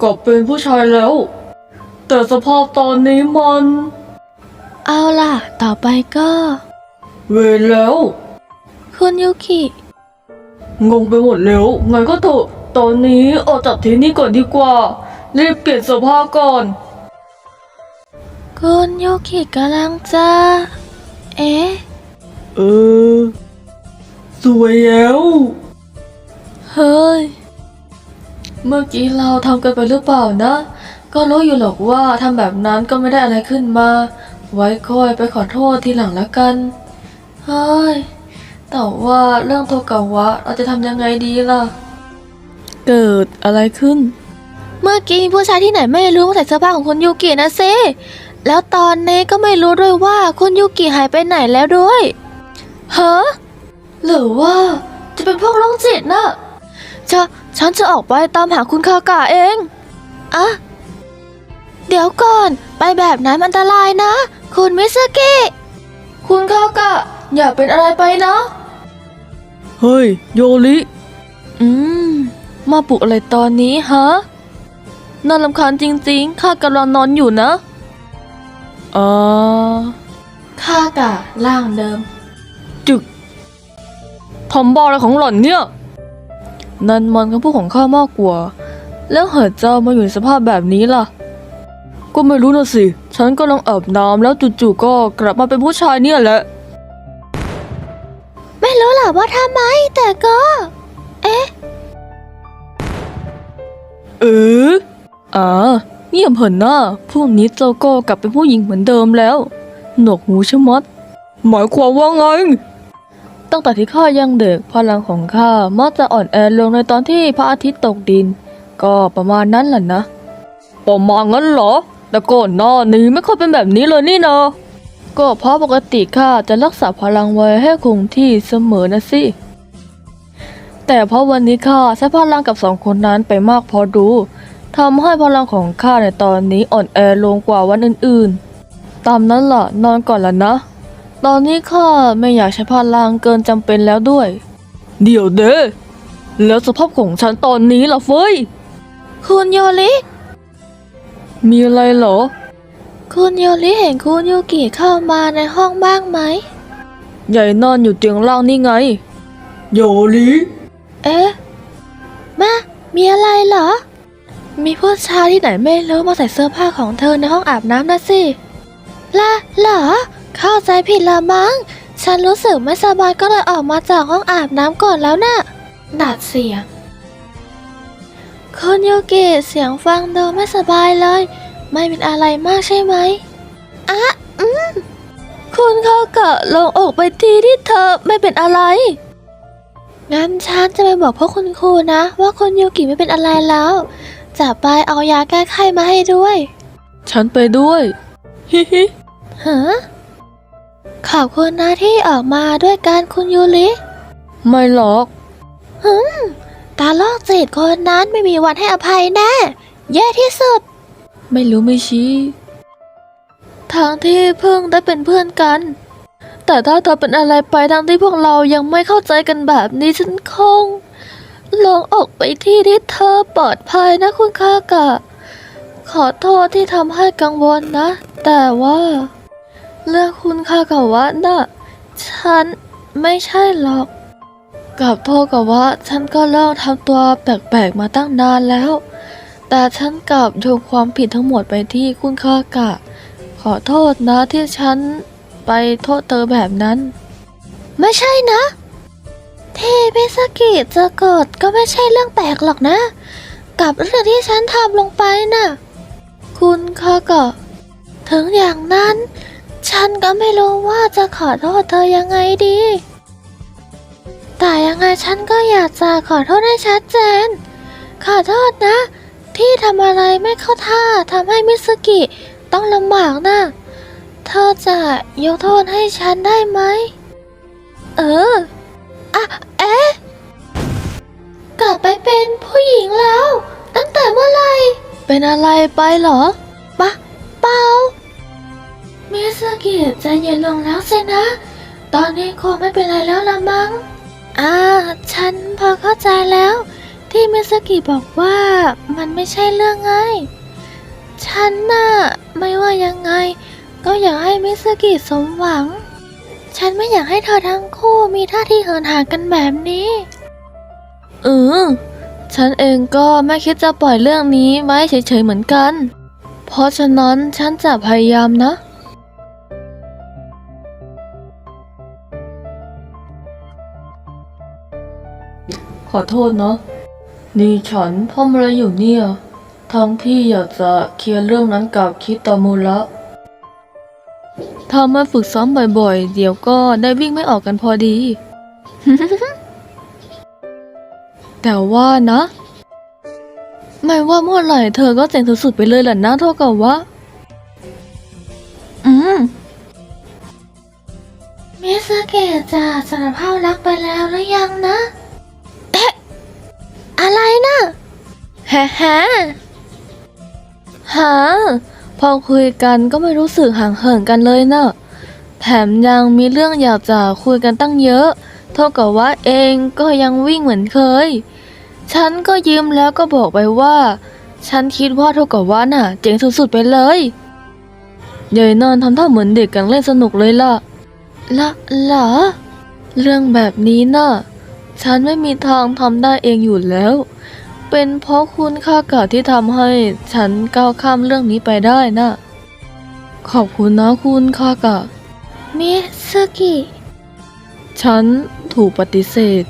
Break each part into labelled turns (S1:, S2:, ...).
S1: กลับเป็นผู้ชายแล้วแต่สภาพตอนนี้มัน
S2: เอาล่ะต่อไปก็
S1: เวรแล้ว
S2: คุณยูกิ
S1: งงไปหมดแล้วไงก็เถอะตอนนี้ออกจากที่นี่ก่อนดีกว่ารีบเปลี่ยนเสื้อผ้าก่อน
S2: คุณยูกิกำลังจะเอ๊ะ
S1: เออสวยแล้ว
S2: เฮ้ย
S1: เมื่อกี้เราทำกันไปหรือเปล่านะ ก็รู้อยู่หรอกว่าทำแบบนั้นก็ไม่ได้อะไรขึ้นมา ไว้ค่อยไปขอโทษทีหลังละกัน เฮ้ย แต่ว่าเรื่องโทกาวะเราจะทำยังไงดีล่ะ เกิดอะไรขึ้น
S2: เมื่อกี้มีผู้ชายที่ไหนไม่รู้มาใส่เสื้อผ้าของคุณยูกินะสิแล้วตอนนี้ก็ไม่รู้ด้วยว่าคุณยูกิหายไปไหนแล้วด้วยเฮ้อ
S1: หรือว่าจะเป็นพวกโรคจิตน่ะ
S2: ฉันจะออกไปตามหาคุณคากะเองอะเดี๋ยวก่อนไปแบบนั้นมันอันตรายนะ คุณมิสกิ
S1: คุณคากะอย่าเป็นอะไรไปนะ เฮ้ยโยริมาปลุกอะไรตอนนี้ฮะน่ารำคาญจริงๆข้ากำลังนอนอยู่นะคากะร่างเดิม จึกทำบ้าอะไรของหล่อนเนี่ย นั่นมันคำพูดของข้ามากกว่า แล้วเหตุเจ้ามาอยู่ในสภาพแบบนี้ล่ะ ก็ไม่รู้นะสิ ฉันกำลังอาบน้ำแล้วจู่ๆก็กลับมาเป็นผู้ชายเนี่ยแหละ
S2: ไม่รู้หรอกว่าทำไมแต่ก็ เอ๊ะ
S1: เงียบเหินหน้าพวกนี้เจ้าก็กลับเป็นผู้หญิงเหมือนเดิมแล้วหนวกหูชะมัดหมายความว่าไง ตั้งแต่ที่ข้ายังเด็กพลังของข้ามักจะอ่อนแอลงในตอนที่พระอาทิตย์ตกดิน ก็ประมาณนั้นแหละนะประมาณงั้นเหรอ แต่ก่อนหน้านี้ไม่ค่อยเป็นแบบนี้เลยนี่นะก็เพราะปกติข้าจะรักษาพลังไว้ให้คงที่เสมอนะสิแต่เพราะวันนี้ข้าใช้พลังกับสองคนนั้นไปมากพอดูทำให้พลังของข้าในตอนนี้อ่อนแอลงกว่าวันอื่นๆตามนั้นล่ะนอนก่อนละนะ ตอนนี้ข้าไม่อยากใช้พลังเกินจำเป็นแล้วด้วย เดี๋ยวเด้แล้วสภาพของฉันตอนนี้ล่ะเฟ้ย
S2: คุณโยริ
S1: มีอะไรเหรอ
S2: คุณโยริเห็นคุณยูกิเข้ามาในห้องบ้างไหม
S1: ใหญ่นอนอยู่เตียงล่างนี่ไง โยริ
S2: เอ๊ะ มีอะไรเหรอ มีผู้ชายที่ไหนไม่รู้มาใส่เสื้อผ้าของเธอในห้องอาบน้ำนะสิเหรอ เข้าใจผิดละมั้ง ฉันรู้สึกไม่สบายก็เลยออกมาจากห้องอาบน้ำก่อนแล้วน่ะดัดเสียงคุณยูกิเสียงฟังดูไม่สบายเลย ไม่เป็นอะไรมากใช่ไหมคุณเขากะลงอกไปทีที่เธอไม่เป็นอะไร งั้นฉันจะไปบอกพ่อคุณครูนะว่าคุณยูกิไม่เป็นอะไรแล้ว จะไปเอายาแก้ไขมาให้ด้วย
S1: ฉันไปด้วย ฮิฮิ
S2: ฮะขอบคุณนะที่ออกมาด้วยกันคุณยูริ
S1: ไม่หรอก
S2: ตาโลกจิตคนนั้นไม่มีวันให้อภัยแน่แย่ที่สุด
S1: ไม่รู้ไม่ชี้ทางที่เพิ่งได้เป็นเพื่อนกัน แต่ถ้าเธอเป็นอะไรไปทางที่พวกเรายังไม่เข้าใจกันแบบนี้ฉันคงลงออกไปที่เธอปลอดภัยนะคุณคากะ ขอโทษที่ทำให้กังวลนะ แต่ว่าเรื่องคุณคากะวะน่ะฉันไม่ใช่หรอกกับโทษกับว่าฉันก็เริ่มทำตัวแปลกๆมาตั้งนานแล้ว แต่ฉันกลับโยงความผิดทั้งหมดไปที่คุณคากะ ขอโทษนะที่ฉันไปโทษเธอแบบนั้น
S2: ไม่ใช่นะที่มิสกิจะโกรธก็ไม่ใช่เรื่องแปลกหรอกนะ กับเรื่องที่ฉันทำลงไปน่ะ
S1: คุณคากะ
S2: ถึงอย่างนั้น ฉันก็ไม่รู้ว่าจะขอโทษเธอยังไงดี แต่ยังไงฉันก็อยากจะขอโทษให้ชัดเจน ขอโทษนะ ที่ทำอะไรไม่เข้าท่าทำให้มิสกิต้องลำบากนะเธอจะยกโทษให้ฉันได้ไหม เอ๊ะ กลับไปเป็นผู้หญิงแล้ว ตั้งแต่เมื่อไหร่
S1: เป็นอะไรไปเหรอ
S2: เปล่ามิสกิใจเย็นลงแล้วสินะ ตอนนี้คงไม่เป็นไรแล้วละมั้งฉันพอเข้าใจแล้วที่มิสกิบอกว่ามันไม่ใช่เรื่องง่ายฉันน่ะไม่ว่ายังไงก็อยากให้มิสกิสมหวังฉันไม่อยากให้เธอทั้งคู่มีท่าทีเหินห่างกันแบบนี้
S1: ฉันเองก็ไม่คิดจะปล่อยเรื่องนี้ไว้เฉยๆเหมือนกันเพราะฉะนั้นฉันจะพยายามนะขอโทษนะนี่ฉันทำอะไรอยู่เนี่ยทั้งที่อยากจะเคลียร์เรื่องนั้นกับคิตามุระถ้ามาฝึกซ้อมบ่อยๆเดี๋ยวก็ได้วิ่งไม่ออกกันพอดี แต่ว่านะไม่ว่าเมื่อไหร่เธอก็เจ๋งสุดๆไปเลยแหละนะเท่ากับว่า
S2: มิสกิจะสารภาพรักไปแล้วหรือยังนะอะไรนะ
S1: แฮหาพอคุยกันก็ไม่รู้สึกห่างเหินกันเลยนะแถมยังมีเรื่องอยากจะคุยกันตั้งเยอะเท่ากับว่าเองก็ยังวิ่งเหมือนเคยฉันก็ยิ้มแล้วก็บอกไปว่าฉันคิดว่าเท่ากับว่าน่ะเจ๋งสุดๆไปเลยยายนอนทำท่าเหมือนเด็กกันเล่นสนุกเลยล่ะเหรอเรื่องแบบนี้น่ะฉันไม่มีทางทำได้เองอยู่แล้วเป็นเพราะคุณค่ากาที่ทำให้ฉันก้าวข้ามเรื่องนี้ไปได้น่ะขอบคุณนะคุณค่ากะ
S2: มิสกิ
S1: ฉันถูกปฏิเสธ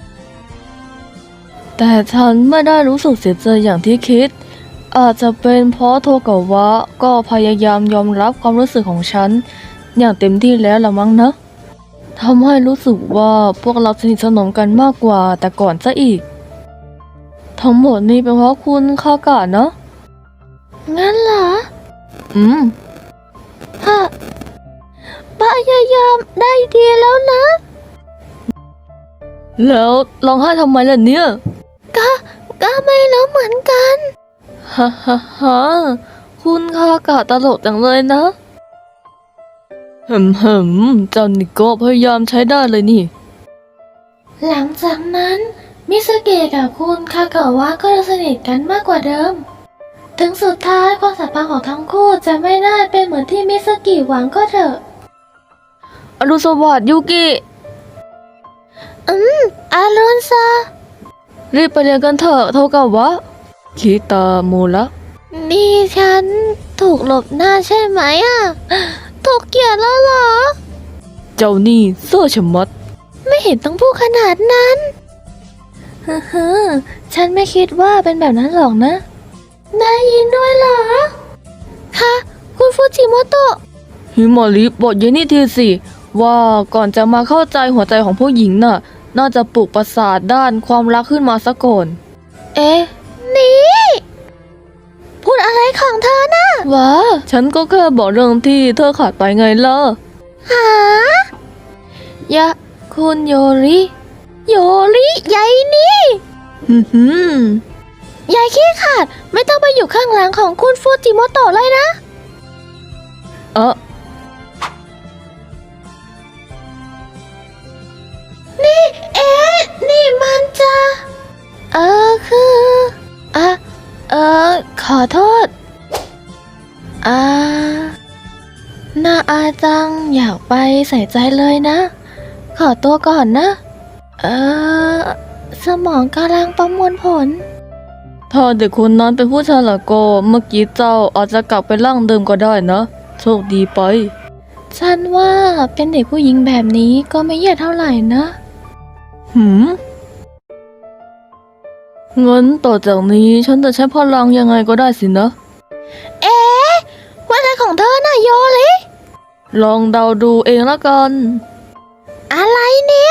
S1: แต่ฉันไม่ได้รู้สึกเสียใจอย่างที่คิดอาจจะเป็นเพราะโทกาวะก็พยายามยอมรับความรู้สึกของฉันอย่างเต็มที่แล้วละมั้งนะทำให้รู้สึกว่าพวกเราสนิทสนมกันมากกว่าแต่ก่อนซะอีกทั้งหมดนี้เป็นเพราะคุณค่ากะนะ
S2: งั้นเหรอฮะพยายามได้ดีแล้วนะ
S1: แล้วร้องไห้ทำไมล่ะเนี่ย
S2: ก็ไม่รู้เหมือนกัน
S1: ฮ่าคุณค่ากะตลกจังเลยนะเจ้านี่ก็พยายามใช้ได้เลยนี่
S2: หลังจากนั้นมิสเกะกับคุณคากาวะก็สนิทกันมากกว่าเดิมถึงสุดท้ายความสัมพันธ์ของทั้งคู่จะไม่ได้เป็นเหมือนที่มิสกิหวังก็เถอะ
S1: อรุณสวัสดิ์ยูกิ
S2: อารุณซา
S1: รีบไปเรียนกันเถอะโทกาวะคิตามุระ
S2: นี่ฉันถูกหลบหน้าใช่ไหมถูกเกลียดแล้วเหรอ
S1: เจ้านี่เซ่อชะมัด
S2: ไม่เห็นต้องพูดขนาดนั้นฉันไม่คิดว่าเป็นแบบนั้นหรอกนะได้ยินด้วยเหรอคะคุณฟูจิโมโตะ
S1: ฮิมาริบอกยายนี่ทีสิว่าก่อนจะมาเข้าใจหัวใจของผู้หญิงน่าจะปลุกประสาทด้านความรักขึ้นมาซะก่อน
S2: นี่พูดอะไรของเธอนะ
S1: ว้าฉันก็แค่บอกเรื่องที่เธอขาดไปไงล่ะ
S2: หายะคุณโยริยายนี่ยายขี้ขาดไม่ต้องไปอยู่ข้างหลังของคุณฟูจิโมโตะเลยนะนี่มันจะขอโทษน่าอาจังอยากไปใส่ใจเลยนะขอตัวก่อนนะสมองกำลังประมวลผล
S1: ถ้าเด็กคนนั้นเป็นผู้ชายละก็เมื่อกี้เจ้าอาจจะกลับไปร่างเดิมก็ได้นะโชคดีไป
S2: ฉันว่าเป็นเด็กผู้หญิงแบบนี้ก็ไม่แย่เท่าไหร่นะ
S1: งั้นต่อจากนี้ฉันจะใช้พลังยังไงก็ได้สินะ
S2: ว่าอะไรของเธอน่ะโยริ
S1: ลองเดาดูเองละกัน
S2: อะไรเนี่ย